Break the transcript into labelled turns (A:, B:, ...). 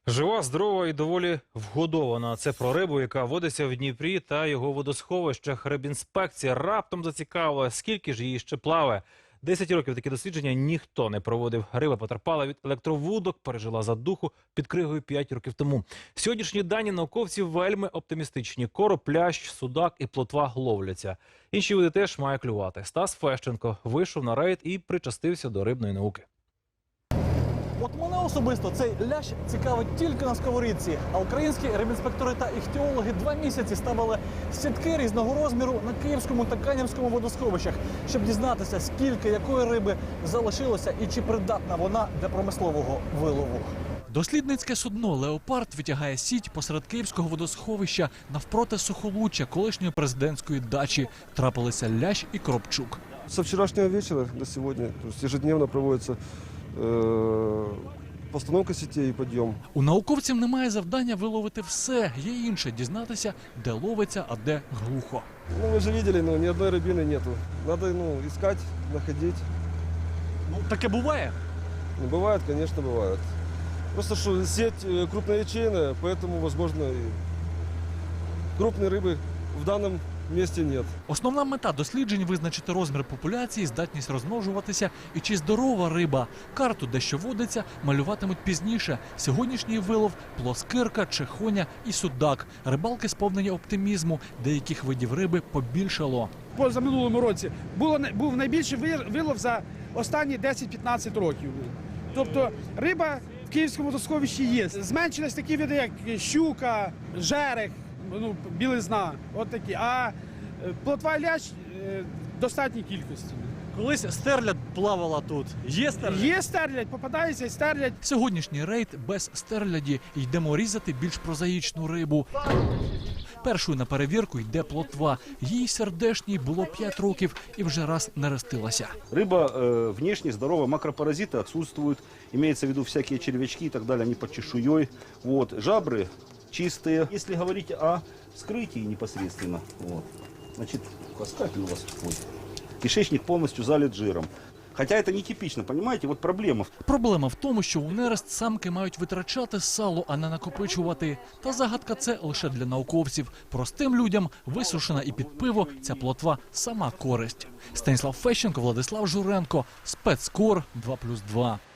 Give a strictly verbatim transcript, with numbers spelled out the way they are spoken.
A: Жива, здорова і доволі вгодована. Це про рибу, яка водиться в Дніпрі та його водосховищах. Рибінспекція раптом зацікавила, скільки ж її ще плаває. Десять років такі дослідження ніхто не проводив. Риба потерпала від електровудок, пережила задуху під кригою п'ять років тому. Сьогоднішні дані науковців вельми оптимістичні. Короб, лящ, судак і плотва ловляться. Інші види теж має клювати. Стас Фещенко вийшов на рейд і причастився до рибної науки.
B: От мене особисто цей лящ цікавить тільки на сковорідці. А українські рибінспектори та іхтіологи два місяці ставили сітки різного розміру на Київському та Канівському водосховищах, щоб дізнатися, скільки якої риби залишилося і чи придатна вона для промислового вилову.
C: Дослідницьке судно «Леопард» витягає сіть посеред Київського водосховища навпроти Сухолуччя, колишньої президентської дачі. Трапилися лящ і коробчук.
D: Со вчерашнего вечера до сегодня, то есть ежедневно проводится э, постановка сетей и подъем.
C: У науковців немає завдання виловити все. Є інше – дізнатися, де ловиться, а де глухо.
D: Ну, вы же видели, ну, ни одной рыбины нету. Надо, ну, искать, находить.
B: Ну, таке буває?
D: Ну, бывает, конечно, бывает. Просто что сеть э, крупноячейная, поэтому, возможно, и крупной рыбы в данном месте нет.
C: Основна мета досліджень – визначити розмір популяції, здатність розмножуватися і чи здорова риба. Карту, де що водиться, малюватимуть пізніше. Сьогоднішній вилов – плоскирка, чехоня і судак. Рибалки сповнені оптимізму. Деяких видів риби побільшало.
E: Поза минулому році було, був найбільший вилов за останні десять-п'ятнадцять років. Тобто риба в Київському водосховищі є. Зменшились такі види, як щука, жерех, ну, білизна, от такі. А плотва і лящ в достатній кількості.
B: Колись стерлядь плавала тут. Є стерлядь?
E: Є стерлядь, попадається стерлядь.
C: Сьогоднішній рейд без стерляді. Йдемо різати більш прозаїчну рибу. Першою на перевірку йде плотва. Їй сердешній було п'ять років і вже раз нерестилася.
F: Рыба э, внешне здоровая, макропаразиты отсутствуют, имеется в виду всякие червячки и так далее, они под чешуей. Вот. Жабры чистые. Если говорить о вскрытии непосредственно, вот, значит, каскатель у вас такой. Кишечник полностью залит жиром. Хотя это нетипично, понимаете, вот проблема.
C: Проблема в тому, що у нерест самки мають витрачати сало, а не накопичувати. Та загадка це лише для науковців. Простим людям, висушена і під пиво, ця плотва – сама користь. Станіслав Фещенко, Владислав Журенко, Спецкор, два плюс два.